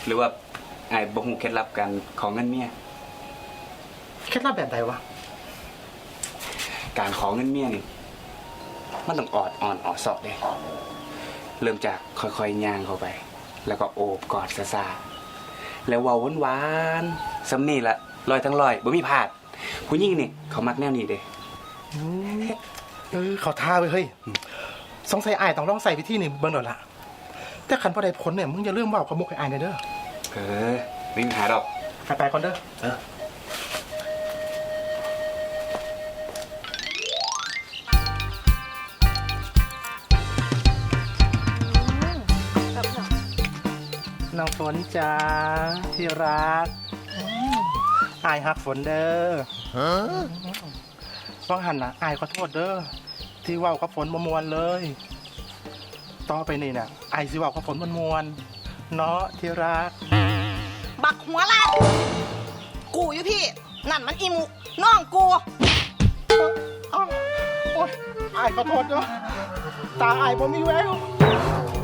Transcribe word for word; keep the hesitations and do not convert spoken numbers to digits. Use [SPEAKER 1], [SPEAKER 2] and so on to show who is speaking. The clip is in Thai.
[SPEAKER 1] หรือว่าไอ้บ่ฮู้เคล็ดลับการของเงินเมีย
[SPEAKER 2] เคล็ดลับแบบใดวะ
[SPEAKER 1] การขอเงินเมียนี่มันต้องออดอ่อนออดสอบเลยเริ่มจากค่อยๆย่างเข้าไปแล้วก็โอบกอดซาซาแล้วเว้าหวานๆซ้ำนี่ละลอยทั้งลอยบ่มีพลาดผู้หญิงนี่เขามักแนวนี้เด้
[SPEAKER 2] เออเขาท่าไปเฮ้ยสงสัยอายต้องลองใส่วิธีนี่เบิ่งดอกละแต่ขันพอได้ผลเนี่ยมึงอย่าลืมว่าขมุกให้อายเด้อ
[SPEAKER 1] เออไม่มีปัญหาดอก
[SPEAKER 2] ไปไปก่อนเด้อเออน้องฝนจ้าที่รักอายฮักฝนเด้อฟังหันนะอายขอโทษเด้อที่ว่ากับฝนมวนเลยต่อไปนี่เนี่ยอายสิว่ากับฝนมวนเนาะที่รัก
[SPEAKER 3] บักหัวลาดกูอยู่พี่นั่นมันอีมุกน้องกู
[SPEAKER 2] โอ๊ยอายขอโทษเด้อตาอายบ่มีแวว